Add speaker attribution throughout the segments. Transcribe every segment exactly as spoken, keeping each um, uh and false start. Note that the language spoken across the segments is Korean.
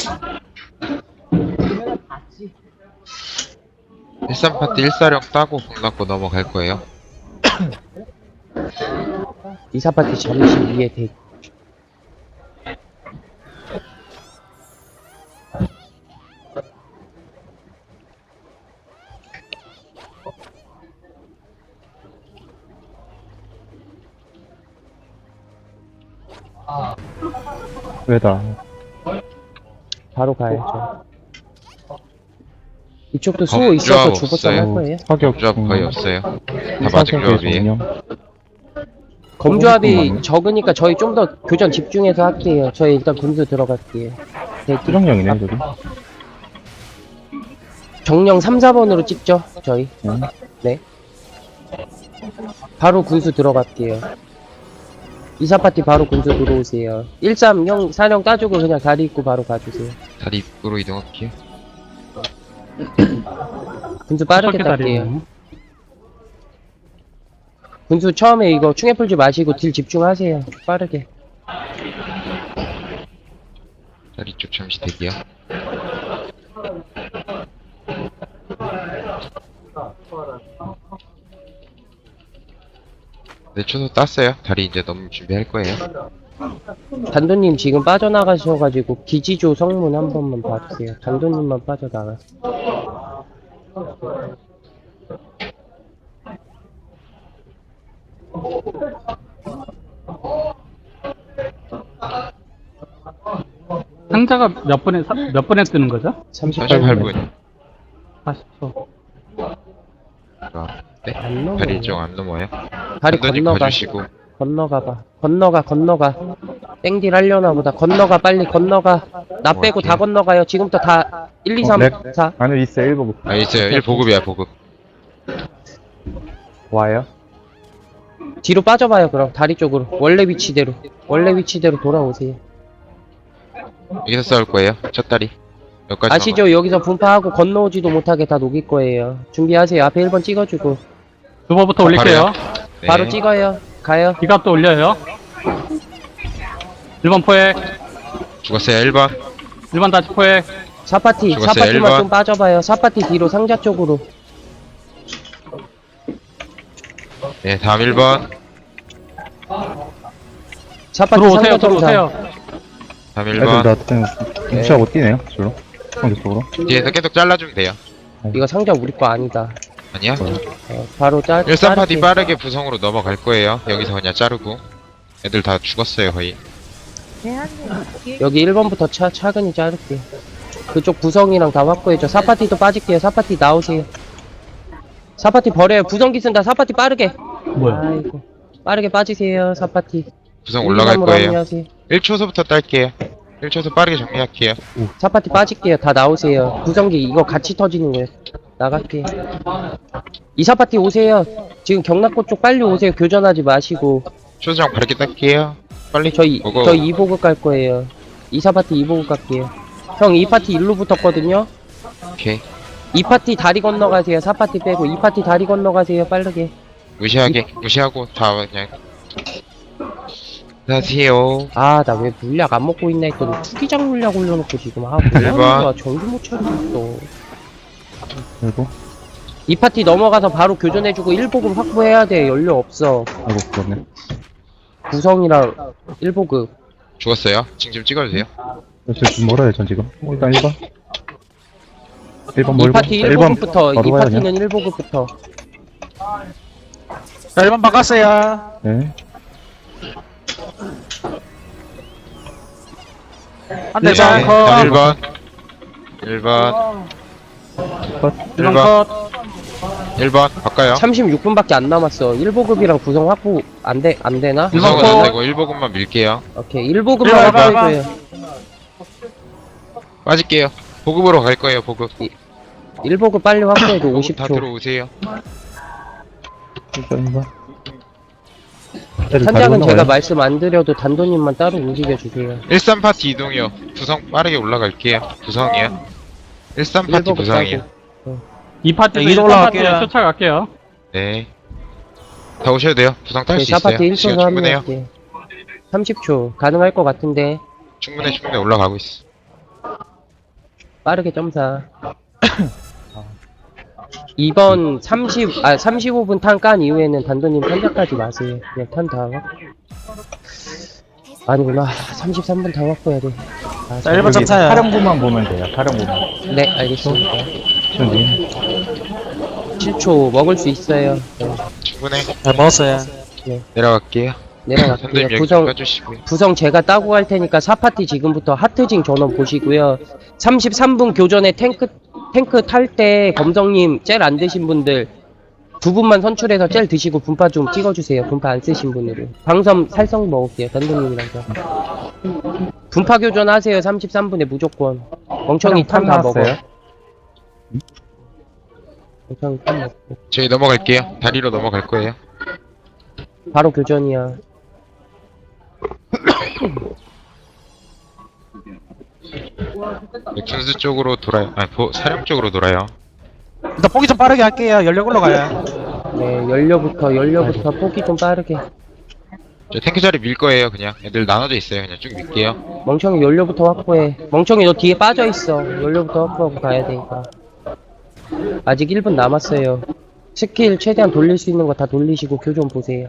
Speaker 1: 일삼 파티 일사령 따고 공 맞고 넘어갈 거예요.
Speaker 2: 이사 파티 잠시 위에 대.
Speaker 3: 왜다?
Speaker 2: 바로 가야죠. 이쪽도 수호
Speaker 1: 검
Speaker 2: 있어서
Speaker 1: 조합
Speaker 2: 주보점 할
Speaker 1: 없어요.
Speaker 2: 거예요.
Speaker 3: 사격
Speaker 1: 조합 거의 없어요. 다 맞은 조합이에요.
Speaker 2: 검조합이
Speaker 3: 잠깐만요.
Speaker 2: 적으니까 저희 좀 더 교전 집중해서 할게요. 저희 일단 군수 들어갈게요. 대기.
Speaker 3: 수정령이네 저기.
Speaker 2: 정령 삼, 사 번으로 찍죠, 저희.
Speaker 3: 응.
Speaker 2: 네. 바로 군수 들어갈게요. 이사 파티 바로 군수 들어오세요. 일삼, 영, 사령 따주고 그냥 다리 입고 바로 가주세요.
Speaker 1: 다리 입구로 이동할게요.
Speaker 2: 군수 빠르게 딸게요. 군수 처음에 이거 충에 풀지 마시고 딜 집중하세요. 빠르게.
Speaker 1: 다리 쪽 잠시 대기요. 네, 초소 땄어요. 다리 이제 넘을 준비할 거예요.
Speaker 2: 단도님 지금 빠져나가셔가지고 기지조 성문 한 번만 봐주세요. 단도님만 빠져나가.
Speaker 4: 상자가 몇 번에 사- 몇 번에 뜨는 거죠?
Speaker 1: 삼십팔 분.
Speaker 4: 사십 초.
Speaker 1: 아, 네.
Speaker 2: 안 넘어요.
Speaker 1: 다리 쪽 안 넘어요.
Speaker 2: 다리
Speaker 1: 단도님
Speaker 2: 건너가.
Speaker 1: 봐주시고.
Speaker 2: 건너가봐. 건너가, 건너가. 땡딜 하려나 보다. 건너가, 빨리 건너가. 나 빼고 다 건너가요. 지금부터 다 일, 이, 삼,
Speaker 3: 네.
Speaker 2: 사.
Speaker 3: 안에 있어요 일 보고.
Speaker 1: 아, 있어요. 일 보급이야, 보급.
Speaker 3: 와요?
Speaker 2: 뒤로 빠져봐요, 그럼. 다리 쪽으로. 원래 위치대로. 원래 위치대로 돌아오세요.
Speaker 1: 여기서 싸울 거예요. 첫 다리. 여기까지.
Speaker 2: 아시죠? 여기서 분파하고 건너오지도 못하게 다 녹일 거예요. 준비하세요. 앞에 일 번 찍어주고.
Speaker 4: 두번부터 올릴게요.
Speaker 1: 네.
Speaker 2: 바로 찍어요. 가요.
Speaker 4: 기갑도 올려요. 일 번 포획.
Speaker 1: 죽었어요. 일 번.
Speaker 4: 일 번 다시 포획.
Speaker 2: 사 파티, 사
Speaker 1: 죽었어요, 일
Speaker 2: 파티만
Speaker 1: 번.
Speaker 2: 좀 빠져봐요. 사 파티 뒤로 상자 쪽으로.
Speaker 1: 네, 다음 일 번.
Speaker 2: 사 파티
Speaker 4: 들어오세요.
Speaker 2: 상자 정상.
Speaker 4: 들어오세요.
Speaker 1: 다음 일
Speaker 3: 애들
Speaker 1: 번.
Speaker 3: 다 그냥 무시하고 뛰네요 저로. 상대쪽으로.
Speaker 1: 뒤에서 계속 잘라주면 돼요.
Speaker 2: 이거 상자 우리 거 아니다.
Speaker 1: 아니야?
Speaker 2: 어, 바로 짤.
Speaker 1: 일삼 파티
Speaker 2: 자를게요.
Speaker 1: 빠르게 부성으로 넘어갈 거예요. 여기서 그냥 자르고. 애들 다 죽었어요, 거의.
Speaker 2: 여기 일 번부터 차, 차근히 자를게요. 그쪽 부성이랑 다 확보해줘. 사 파티도 빠질게요. 사 파티 나오세요. 사 파티 버려요. 부성기 쓴다. 사 파티 빠르게.
Speaker 4: 뭐야?
Speaker 2: 아이고. 빠르게 빠지세요. 사 파티.
Speaker 1: 부성 올라갈
Speaker 2: 일, 이, 삼으로
Speaker 1: 거예요.
Speaker 2: 합류하세요.
Speaker 1: 일 초서부터 딸게요. 일 초서 빠르게 정리할게요.
Speaker 2: 사 파티 빠질게요. 다 나오세요. 부성기 이거 같이 터지는 거예요. 나갈게요. 이 사 파티 오세요. 지금 경락고 쪽 빨리 오세요. 교전하지 마시고.
Speaker 1: 초소장 바르게 딸게요. 빨리.
Speaker 2: 저희
Speaker 1: 오고.
Speaker 2: 저희 이 보급 갈 거예요. 이 사 파티 이 보급 갈게요. 형 이 파티 일로 붙었거든요.
Speaker 1: 오케이.
Speaker 2: 이 파티 다리 건너가세요. 사 파티 빼고 이 파티 다리 건너가세요. 빠르게.
Speaker 1: 무시하게. 무시하고 다 그냥. 안녕하세요.
Speaker 2: 아 나 왜 물약 안 먹고 있나 했더니 투기장 물약 올려놓고 지금 아
Speaker 1: 일 번.
Speaker 2: 뭐야 정신 못 차리겠어.
Speaker 3: 그리고
Speaker 2: 이 파티 넘어가서 바로 교전해주고 일 보급 확보해야 돼. 연료 없어.
Speaker 3: 아이고 그렇네.
Speaker 2: 구성이랑 일 보급.
Speaker 1: 죽었어요. 지금 좀 찍어도 돼요.
Speaker 3: 저좀 멀어요 전 지금. 어, 일단 일 번. 일 번
Speaker 2: 이
Speaker 3: 멀고.
Speaker 2: 파티 일
Speaker 3: 일 번
Speaker 2: 보급부터
Speaker 3: 바로
Speaker 2: 이
Speaker 3: 가야
Speaker 2: 파티는
Speaker 3: 되냐?
Speaker 2: 일 보급부터.
Speaker 5: 자, 일 번 바꿨어요.
Speaker 3: 네.
Speaker 5: 한 대
Speaker 4: 네.
Speaker 5: 반
Speaker 1: 일
Speaker 5: 컷.
Speaker 1: 번. 일 번.
Speaker 3: 컷.
Speaker 4: 일 번
Speaker 1: 일 번.
Speaker 4: 컷.
Speaker 1: 일 번. 바꿔요.
Speaker 2: 삼십육 분밖에 안 남았어. 일 보급이랑 구성 확보 안 돼, 안 되나?
Speaker 1: 구성은
Speaker 4: 번.
Speaker 1: 안 되고 일 보급만 밀게요.
Speaker 2: 오케이, 일 보급만
Speaker 5: 일 번,
Speaker 2: 확보해줘요.
Speaker 1: 빠질게요. 보급으로 갈 거예요, 보급.
Speaker 2: 일 보급 빨리 확보해줘,
Speaker 1: 보급
Speaker 2: 오십
Speaker 1: 다
Speaker 2: 초.
Speaker 1: 들어오세요.
Speaker 3: 일단 일 번. 애들 다리
Speaker 2: 현장은 제가
Speaker 3: 건너가요.
Speaker 2: 말씀 안 드려도 단도님만 따로 움직여주세요.
Speaker 1: 일삼 파티 이동이요. 부성 빠르게 올라갈게요. 부성이요. 일삼
Speaker 2: 일
Speaker 1: 파티
Speaker 2: 보급
Speaker 1: 부성이요.
Speaker 2: 따고.
Speaker 4: 이 파티도
Speaker 5: 네,
Speaker 4: 일
Speaker 5: 이동
Speaker 4: 번
Speaker 5: 올라갈게요.
Speaker 4: 파티에 쫓아갈게요.
Speaker 1: 네. 다 오셔도 돼요. 부성 딸
Speaker 2: 오케이,
Speaker 1: 수 있어요.
Speaker 2: 사 파티 일
Speaker 1: 시간
Speaker 2: 초로
Speaker 1: 충분해요.
Speaker 2: 합류할게. 삼십 초. 가능할 것 같은데.
Speaker 1: 충분해, 충분해 올라가고 있어.
Speaker 2: 빠르게 점사. 이번 삼십, 아, 삼십오 분 탄 깐 이후에는 단도님 탄자까지 마세요. 그냥 탄 다 확. 아니구나. 삼십삼 분 다 확보해야 돼. 아,
Speaker 5: 자, 일 번
Speaker 3: 여기
Speaker 5: 점사요.
Speaker 3: 사령부만 보면 돼요. 사령부만.
Speaker 2: 네, 알겠습니다.
Speaker 3: 준비.
Speaker 2: 칠 초 먹을 수 있어요. 네,
Speaker 1: 충분해.
Speaker 5: 잘 먹었어요.
Speaker 1: 내려갈게요.
Speaker 2: 내려갈게요.
Speaker 1: 선생님 여기 좀
Speaker 2: 구성,
Speaker 1: 빼주시고요.
Speaker 2: 구성 제가 따고 갈 테니까 사 파티 지금부터 하트징 전원 보시고요. 삼십삼 분 교전에 탱크 탱크 탈 때 검성님 젤 안 드신 분들 두 분만 선출해서 젤 드시고 분파 좀 찍어주세요. 분파 안 쓰신 분으로. 방섬 살성 먹을게요. 단도님이랑서. 분파 교전 하세요. 삼십삼 분에 무조건. 멍청이 탄 다 먹어.
Speaker 3: 나왔어요?
Speaker 2: 멍청이 탄 먹고.
Speaker 1: 저희 넘어갈게요. 다리로 넘어갈 거예요.
Speaker 2: 바로 교전이야.
Speaker 1: 네, 군수 쪽으로 돌아요. 아니, 보, 사령 쪽으로 돌아요.
Speaker 5: 일단 포기 좀 빠르게 할게요. 연력 올라가요.
Speaker 2: 네, 연료부터 연료부터 포기 좀 빠르게.
Speaker 1: 저 탱크 자리 밀 거예요. 그냥 애들 나눠져 있어요. 그냥 쭉 밀게요.
Speaker 2: 멍청이 연료부터 확보해. 멍청이 너 뒤에 빠져있어. 연료부터 확보하고 가야 되니까. 아직 일 분 남았어요. 스킬 최대한 돌릴 수 있는 거 다 돌리시고 교전 보세요.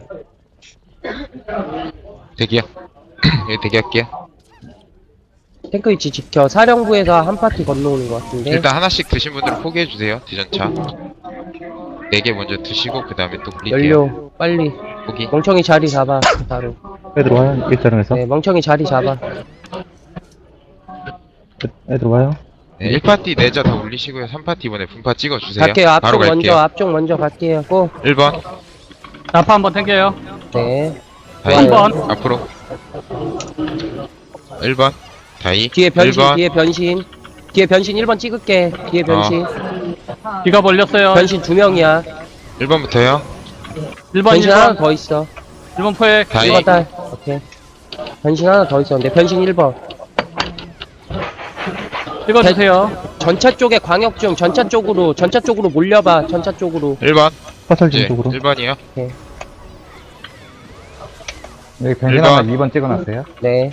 Speaker 1: 대기요. 예, 대기할게요.
Speaker 2: 탱크 위치 지켜. 사령부에서 한 파티 건너오는 것 같은데.
Speaker 1: 일단 하나씩 드신 분들은 포기해주세요. 디전차. 네 개 먼저 드시고 그 다음에 또 굴릴게요.
Speaker 2: 연료 빨리.
Speaker 1: 포기.
Speaker 2: 멍청이 자리 잡아. 바로.
Speaker 3: 애들 와요. 일자령에서.
Speaker 2: 네, 멍청이 자리 잡아.
Speaker 3: 애들 와요.
Speaker 1: 네, 일 파티 내자 다 올리시고요. 삼 파티 이번에 분파 찍어주세요.
Speaker 2: 갈게요.
Speaker 1: 바로
Speaker 2: 앞쪽
Speaker 1: 갈게요.
Speaker 2: 먼저. 앞쪽 먼저 갈게요. 고.
Speaker 1: 일 번.
Speaker 4: 나파 한번 탱겨요.
Speaker 2: 네.
Speaker 1: 다이.
Speaker 4: 한 번.
Speaker 1: 앞으로. 일 번. 다이.
Speaker 2: 뒤에 변신.
Speaker 1: 일 번.
Speaker 2: 뒤에 변신. 뒤에 변신 일 번 찍을게. 뒤에 변신.
Speaker 4: 귀가 벌렸어요.
Speaker 2: 변신 두 명이야.
Speaker 1: 일 번부터요.
Speaker 4: 일 번,
Speaker 2: 변신
Speaker 4: 일
Speaker 2: 하나
Speaker 4: 번.
Speaker 2: 더 있어.
Speaker 4: 일 번 포획.
Speaker 1: 다이.
Speaker 2: 일 번 딸. 오케이. 변신 하나 더 있었는데 변신 일 번.
Speaker 4: 찍어주세요.
Speaker 2: 전차 쪽에 광역 중 전차 쪽으로 전차 쪽으로 몰려봐. 전차 쪽으로.
Speaker 1: 일 번.
Speaker 3: 화살진
Speaker 1: 네,
Speaker 3: 쪽으로.
Speaker 1: 일 번이요.
Speaker 3: 여기 변신
Speaker 1: 일 번.
Speaker 3: 하나 이 번 찍어놨어요.
Speaker 2: 네.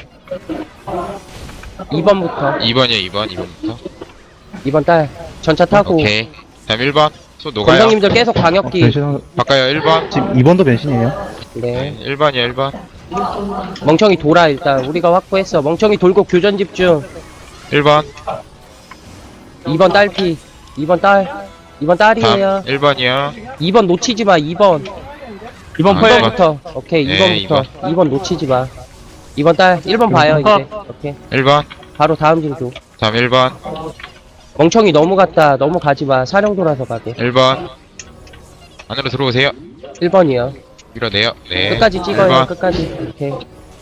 Speaker 2: 이 번부터.
Speaker 1: 이 번이요. 이 번. 이 번부터.
Speaker 2: 이 번 딸. 전차 타고.
Speaker 1: 오케이. 다음 일 번. 소 녹아요.
Speaker 2: 검성님들 계속 광역기.
Speaker 3: 변신 하나-
Speaker 1: 바꿔요. 일 번.
Speaker 3: 지금 이 번도 변신이에요.
Speaker 1: 네.
Speaker 2: 네.
Speaker 1: 일 번이요. 일 번.
Speaker 2: 멍청이 돌아 일단. 우리가 확보했어. 멍청이 돌고 교전 집중.
Speaker 1: 일 번.
Speaker 2: 이 번 딸피. 이 번 딸. 이 번 딸이에요.
Speaker 1: 다음 일 번이요.
Speaker 2: 이 번 놓치지 마. 이 번.
Speaker 4: 이 번
Speaker 1: 아,
Speaker 4: 포획.
Speaker 1: 이 번.
Speaker 2: 이 번부터. 오케이.
Speaker 1: 네,
Speaker 2: 이 번부터. 이 번 놓치지 마. 이 번 딸. 일 번 봐요 이제. 오케이.
Speaker 1: 일 번.
Speaker 2: 바로 다음 징 줘.
Speaker 1: 다음 일 번.
Speaker 2: 멍청이 넘어갔다. 넘어가지 마. 사령 돌아서 가게.
Speaker 1: 일 번. 안으로 들어오세요.
Speaker 2: 일 번이요.
Speaker 1: 밀어내요. 네.
Speaker 2: 끝까지 찍어요.
Speaker 1: 일 번.
Speaker 2: 끝까지. 오케이.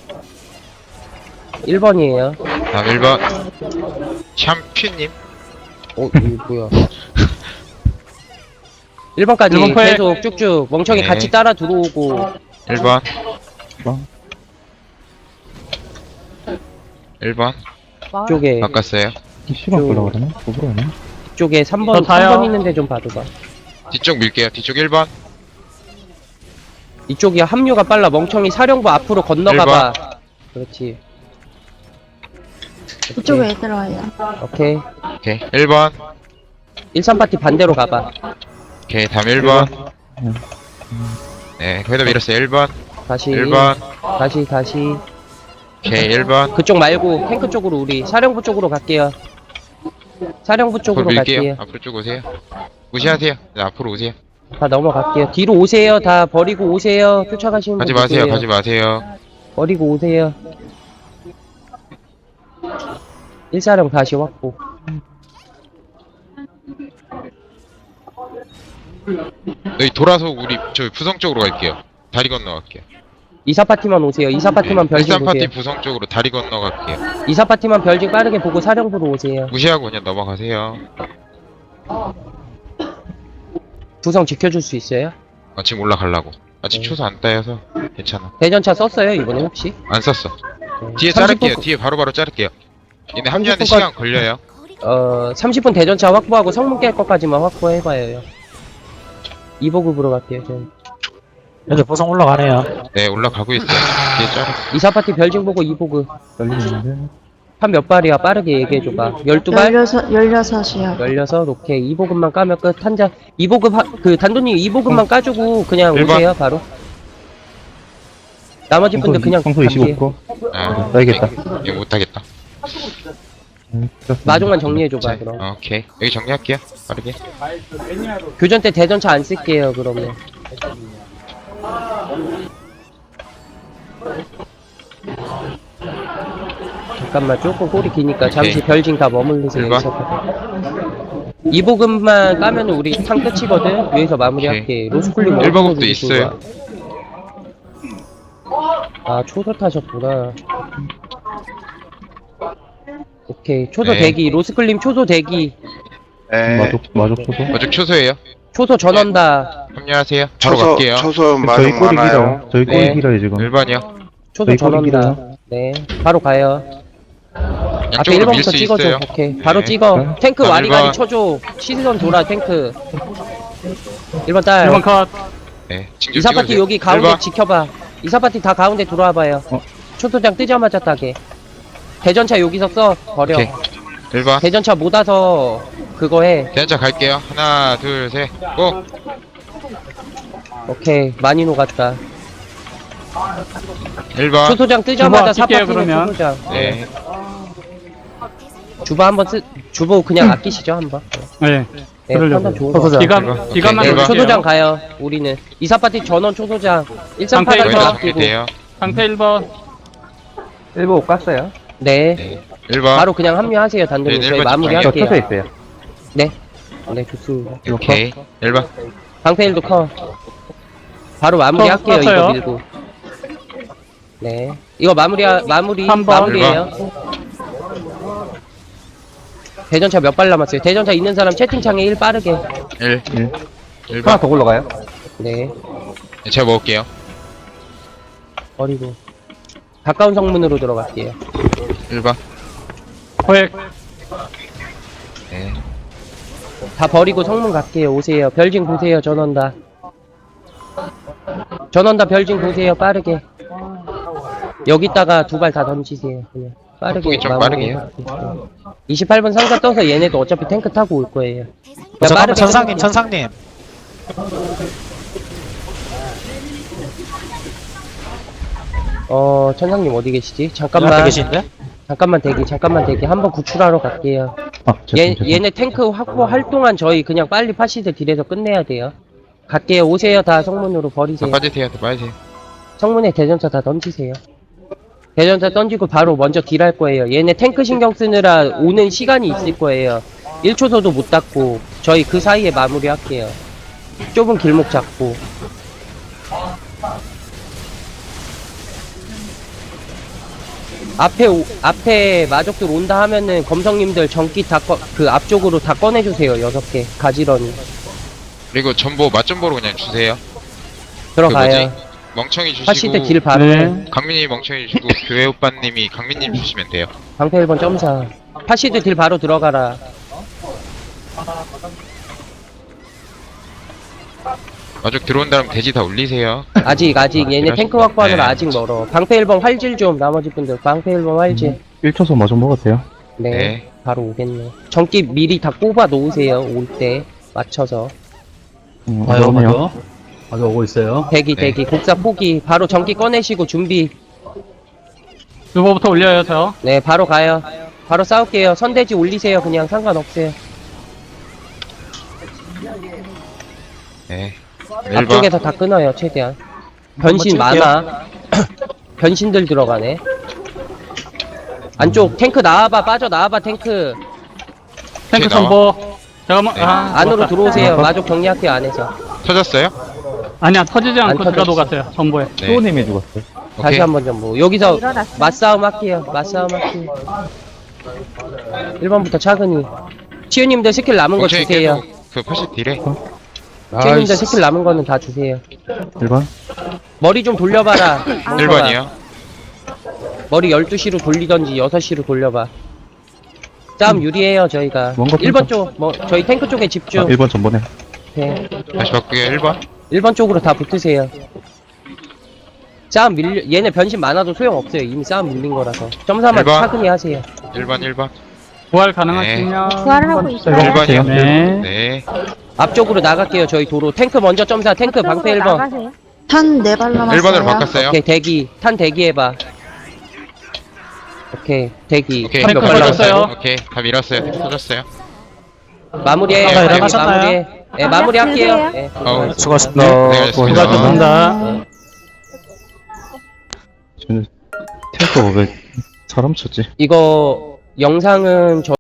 Speaker 2: 일 번이에요.
Speaker 1: 다음 일 번. 샴퓨님.
Speaker 2: 어, 이거 뭐야. 일 번까지
Speaker 4: 일 번 포획.
Speaker 2: 계속 쭉쭉 멍청이
Speaker 1: 네.
Speaker 2: 같이 따라 들어오고.
Speaker 1: 일 번.
Speaker 3: 번.
Speaker 1: 일 번.
Speaker 2: 쪽에
Speaker 1: 바꿨어요.
Speaker 3: 시간
Speaker 2: 쭉.
Speaker 3: 끌라 그러나? 뭐로 하나?
Speaker 2: 쪽에 삼 번,
Speaker 4: 저 타요.
Speaker 2: 삼 번 있는데 좀 봐줘봐.
Speaker 1: 뒤쪽 밀게요. 뒤쪽 일 번.
Speaker 2: 이쪽이 합류가 빨라. 멍청이 사령부 앞으로 건너가봐. 그렇지.
Speaker 6: 이쪽에 애들 와요.
Speaker 2: 오케이.
Speaker 1: 오케이. 일 번.
Speaker 2: 일, 삼 파티 반대로 가봐.
Speaker 1: 오케이. 다음 일 번.
Speaker 3: 음.
Speaker 1: 네. 거기다 밀었어요. 일 번.
Speaker 2: 다시.
Speaker 1: 일 번.
Speaker 2: 다시, 다시.
Speaker 1: 오케이. 일 번.
Speaker 2: 그쪽 말고 탱크 쪽으로 우리 사령부 쪽으로 갈게요. 사령부
Speaker 1: 앞으로
Speaker 2: 쪽으로
Speaker 1: 밀게요.
Speaker 2: 갈게요.
Speaker 1: 앞으로 쭉 오세요. 무시하세요. 네, 앞으로 오세요.
Speaker 2: 다 넘어갈게요. 뒤로 오세요. 다 버리고 오세요. 쫓아가시는
Speaker 1: 가지
Speaker 2: 분
Speaker 1: 마세요.
Speaker 2: 누구예요?
Speaker 1: 가지 마세요.
Speaker 2: 버리고 오세요. 일사령 다시 확보.
Speaker 1: 여기 돌아서 우리 저 부성 쪽으로 갈게요. 다리 건너갈게요.
Speaker 2: 이사 파티만 오세요. 이사 파티만 별징
Speaker 1: 일산 파티
Speaker 2: 보세요.
Speaker 1: 부성 쪽으로 다리 건너갈게요.
Speaker 2: 이사 파티만 별징 빠르게 보고 사령부로 오세요.
Speaker 1: 무시하고 그냥 넘어가세요.
Speaker 2: 구성 지켜줄 수 있어요?
Speaker 1: 아, 지금 올라가려고. 아직
Speaker 2: 네.
Speaker 1: 초소 안 따여서 괜찮아.
Speaker 2: 대전차 썼어요 이번에 혹시?
Speaker 1: 안 썼어.
Speaker 2: 네.
Speaker 1: 뒤에
Speaker 2: 삼십 분
Speaker 1: 자를게요. 뒤에 바로바로 자를게요. 얘네 합류하는데
Speaker 2: 삼십 분까지
Speaker 1: 시간 걸려요.
Speaker 2: 어 삼십 분 대전차 확보하고 성문 깰 것까지만 확보해봐요. 이 보급으로 갈게요. 전.
Speaker 5: 애들 보상 올라가네요.
Speaker 1: 네, 올라가고 있어요. 뒤에 자르.
Speaker 2: 이사 파티 별징 보고 이 보급.
Speaker 3: 떨리는데.
Speaker 2: 한 몇 발이야? 빠르게 얘기해줘봐. 열두 발?
Speaker 6: 열여섯, 열여섯이요.
Speaker 2: 열여섯, 오케이. 이 보급만 까면 끝. 한자. 이 보급, 하, 그, 단돈님 이 보급만 까주고 그냥
Speaker 1: 일 번.
Speaker 2: 오세요, 바로. 나머지 분들 그냥
Speaker 3: 평소
Speaker 2: 갈게요.
Speaker 3: 이십오 퍼센트.
Speaker 1: 아,
Speaker 3: 써야겠다.
Speaker 1: 이거 못하겠다.
Speaker 3: 음,
Speaker 2: 마중만 정리해줘봐,
Speaker 1: 자,
Speaker 2: 그럼.
Speaker 1: 어, 오케이. 여기 정리할게요. 빠르게.
Speaker 2: 교전 때 대전차 안 쓸게요, 그러면. 잠깐만, 조금 꼬리 기니까 잠시
Speaker 1: 오케이.
Speaker 2: 별징 다 머물리세요.
Speaker 1: 일번.
Speaker 2: 이 보급만 까면 우리 탕 끝이거든? 위에서 마무리할게. 로스쿨링
Speaker 1: 일 보급도
Speaker 2: 어디서
Speaker 1: 있어요.
Speaker 2: 아, 초소 타셨구나. 오케이. 초소
Speaker 1: 네.
Speaker 2: 대기. 로스클림 초소 대기.
Speaker 7: 네.
Speaker 3: 마족, 마족 초소.
Speaker 1: 어죽 초소예요.
Speaker 2: 초소 전원다.
Speaker 1: 합류하세요. 바로
Speaker 7: 초소,
Speaker 1: 갈게요.
Speaker 7: 초소
Speaker 3: 저희
Speaker 7: 마중
Speaker 3: 꼬리
Speaker 7: 많아요.
Speaker 3: 길어요. 저희 꼬리
Speaker 2: 네.
Speaker 3: 길어요, 지금.
Speaker 1: 일 번이요.
Speaker 2: 초소
Speaker 3: 저희 꼬리
Speaker 2: 전원다.
Speaker 3: 길어요.
Speaker 2: 네. 바로 가요. 앞에
Speaker 1: 양쪽으로
Speaker 2: 일 번부터
Speaker 1: 밀 수
Speaker 2: 찍어줘.
Speaker 1: 있어요.
Speaker 2: 오케이. 바로
Speaker 1: 네.
Speaker 2: 찍어.
Speaker 3: 네.
Speaker 2: 탱크
Speaker 1: 자,
Speaker 2: 와리가리
Speaker 1: 일 번.
Speaker 2: 쳐줘. 시선 돌아, 탱크. 일 번 딸.
Speaker 4: 일 번 컷.
Speaker 1: 네. 징조
Speaker 2: 이사파티
Speaker 1: 찍어주세요.
Speaker 2: 여기 가운데
Speaker 1: 일 번.
Speaker 2: 지켜봐. 이사파티 다 가운데 들어와봐요.
Speaker 3: 어.
Speaker 2: 초소장 뜨자마자 따게. 대전차 여기서 써. 버려.
Speaker 1: 오케이. 일 번.
Speaker 2: 대전차 못 와서 그거 해.
Speaker 1: 대전차 갈게요. 하나, 둘, 셋. 고!
Speaker 2: 오케이. 많이 녹았다.
Speaker 1: 일 번.
Speaker 2: 초소장 뜨자마자
Speaker 4: 주보 아낄게요,
Speaker 2: 사파티는
Speaker 4: 그러면.
Speaker 2: 초소장.
Speaker 1: 네.
Speaker 2: 주보 한번 쓰, 주보 그냥 아끼시죠, 한번.
Speaker 4: 네.
Speaker 2: 네,
Speaker 4: 그러려고요.
Speaker 2: 판단 좋은 거.
Speaker 3: 초소장.
Speaker 4: 기간, 기간만
Speaker 2: 네,
Speaker 1: 일 번.
Speaker 4: 볼게요.
Speaker 2: 초소장 가요, 우리는. 이사파티 전원 초소장.
Speaker 4: 상태
Speaker 2: 일삼팔
Speaker 1: 거의
Speaker 4: 일 번.
Speaker 1: 다
Speaker 2: 번 아끼고.
Speaker 1: 정리돼요.
Speaker 4: 상태 일 번.
Speaker 3: 일보 깠어요.
Speaker 2: 네.
Speaker 1: 네. 일 번.
Speaker 2: 바로 그냥 합류하세요, 단독님.
Speaker 1: 네,
Speaker 2: 저희
Speaker 1: 일 번
Speaker 2: 마무리
Speaker 1: 집중해요.
Speaker 2: 할게요.
Speaker 3: 있어요.
Speaker 2: 네. 네, 좋습니다.
Speaker 1: 오케이. 일 번.
Speaker 2: 방패일도 커. 바로 마무리
Speaker 4: 어,
Speaker 2: 할게요, 이거
Speaker 4: 떴어요.
Speaker 2: 밀고. 네. 이거 마무리, 마무리,
Speaker 4: 한 번.
Speaker 2: 마무리에요. 대전차 몇 발 남았어요? 대전차 있는 사람 채팅창에 일 빠르게.
Speaker 1: 일.
Speaker 3: 일.
Speaker 1: 일 번.
Speaker 3: 더 굴러가요?
Speaker 2: 네.
Speaker 1: 네, 제가 먹을게요.
Speaker 2: 버리고. 가까운 성문으로 들어갈게요.
Speaker 1: 일 번.
Speaker 4: 포획.
Speaker 1: 네.
Speaker 2: 다 버리고 성문 갈게요. 오세요. 별징 보세요. 전원 다. 전원 다 별징 보세요. 빠르게. 여기다가 두 발 다 던지세요. 그냥 빠르게.
Speaker 1: 폭이 좀
Speaker 2: 마무리. 이십팔 번 상자 떠서 얘네도 어차피 탱크 타고 올 거예요.
Speaker 5: 어, 잠깐만,
Speaker 2: 빠르게
Speaker 5: 천상님,
Speaker 2: 해볼게요.
Speaker 5: 천상님.
Speaker 2: 어, 천상님 어디 계시지?
Speaker 5: 옆에
Speaker 2: 잠깐만.
Speaker 5: 계신데?
Speaker 2: 잠깐만 대기. 잠깐만 대기. 한번 구출하러 갈게요.
Speaker 3: 아,
Speaker 2: 얘,
Speaker 3: 죄송, 죄송.
Speaker 2: 얘네 탱크 확보할 동안 저희 그냥 빨리 파시드 딜에서 끝내야 돼요. 갈게요. 오세요. 다 성문으로
Speaker 1: 다
Speaker 2: 버리세요.
Speaker 1: 빠지세요. 다 빠지세요.
Speaker 2: 성문에 대전차 다 던지세요. 대전차 던지고 바로 먼저 딜할 거예요. 얘네 탱크 신경 쓰느라 오는 시간이 있을 거예요. 일 초소도 못 닦고 저희 그 사이에 마무리 할게요. 좁은 길목 잡고. 앞에 오, 앞에 마족들 온다 하면은 검성님들 전기 다 그 앞쪽으로 다 꺼내주세요. 여섯 개 가지런히
Speaker 1: 그리고 전보 맛전보로 그냥 주세요.
Speaker 2: 들어가요.
Speaker 1: 그 뭐지? 멍청이 주시고
Speaker 2: 파시드 딜 바로.
Speaker 4: 네.
Speaker 1: 강민이 멍청이 주고 교회 오빠님이 강민님 주시면 돼요.
Speaker 2: 방패 일 번 점사. 파시드 딜 바로 들어가라.
Speaker 1: 마족 들어온 다음 돼지 다 올리세요.
Speaker 2: 아직 아직 얘네
Speaker 1: 이러시-
Speaker 2: 탱크 확보하느라
Speaker 1: 네.
Speaker 2: 아직 멀어. 방패 일 번 활질 좀 나머지 분들 방패 일 번 활질.
Speaker 3: 일 초소 마족 먹었어요.
Speaker 2: 네,
Speaker 1: 네.
Speaker 2: 바로 오겠네. 전기 미리 다 꼽아 놓으세요. 올 때 맞춰서.
Speaker 3: 음,
Speaker 8: 아유,
Speaker 3: 어려우네요.
Speaker 8: 맞아. 아주 오고 있어요.
Speaker 2: 대기
Speaker 1: 네.
Speaker 2: 대기 곡사 포기. 바로 전기 꺼내시고 준비.
Speaker 4: 주보부터 올려요, 저.
Speaker 2: 네, 바로 가요. 바로 싸울게요. 선대지 올리세요. 그냥 상관없어요.
Speaker 1: 네. 일 번.
Speaker 2: 앞쪽에서 다 끊어요. 최대한. 변신
Speaker 5: 한번
Speaker 2: 많아. 변신들 들어가네. 안쪽 탱크 나와봐. 빠져 나와봐 탱크.
Speaker 4: 탱크
Speaker 1: 나와.
Speaker 4: 정보. 잠깐만.
Speaker 1: 네.
Speaker 4: 아,
Speaker 2: 안으로
Speaker 4: 녹았다.
Speaker 2: 들어오세요. 마족 정리할게요. 안에서.
Speaker 1: 터졌어요?
Speaker 4: 아니야, 터지지 않고
Speaker 2: 안
Speaker 4: 제가
Speaker 2: 터졌어.
Speaker 4: 녹았어요. 정보에.
Speaker 1: 네.
Speaker 3: 수호님이 죽었어요.
Speaker 2: 다시
Speaker 1: 오케이.
Speaker 2: 한번 좀 뭐. 여기서 맞싸움 할게요. 맞싸움 할게요. 일 번부터 차근히. 치유님들 스킬 남은 거
Speaker 1: 멍청이
Speaker 2: 주세요.
Speaker 1: 계속 그 팔십 딜에.
Speaker 2: 치유님들 스킬 남은 거는 다 주세요.
Speaker 3: 일 번.
Speaker 2: 머리 좀 돌려봐라.
Speaker 1: 일 번이요.
Speaker 2: 머리 열두 시로 돌리던지 여섯 시로 돌려봐. 싸움 유리해요, 저희가.
Speaker 3: 뭔가
Speaker 2: 일 번
Speaker 3: 핑크.
Speaker 2: 쪽, 뭐, 저희 탱크 쪽에
Speaker 3: 아,
Speaker 2: 집중.
Speaker 3: 일 번 전번에.
Speaker 2: 네.
Speaker 1: 다시 바꾸게요. 일 번.
Speaker 2: 일 번 쪽으로 다 붙으세요. 싸움 밀려, 얘네 변신 많아도 소용없어요. 이미 싸움 밀린 거라서. 점사만
Speaker 1: 일 번.
Speaker 2: 차근히 하세요.
Speaker 1: 일 번 일 번.
Speaker 4: 부활 가능하시면.
Speaker 6: 부활하고 있어요.
Speaker 1: 일 번이요.
Speaker 4: 네.
Speaker 1: 네.
Speaker 2: 앞쪽으로 나갈게요. 저희 도로. 탱크 먼저 점사. 탱크 방패 일 번.
Speaker 6: 나가세요.
Speaker 7: 탄 네 발 남았어요.
Speaker 1: 일 번으로 바꿨어요.
Speaker 2: 오케이, 대기. 탄 대기해봐. 오케이, 대기.
Speaker 1: 오케이.
Speaker 2: 탄 몇 발
Speaker 4: 터졌어요.
Speaker 2: 남았어요?
Speaker 1: 오케이. 다 밀었어요. 탱크 터졌어요.
Speaker 2: 마무리해.
Speaker 1: 아,
Speaker 2: 마무리,
Speaker 5: 일어나셨나요?
Speaker 2: 마무리해. 예, 마무리할게요. 예.
Speaker 1: 어우.
Speaker 5: 수고하셨습니다.
Speaker 1: 네, 알겠습니다.
Speaker 4: 수고하셨습니다.
Speaker 3: 저는 탱크 왜 사람 쳤지?
Speaker 2: 이거 영상은 저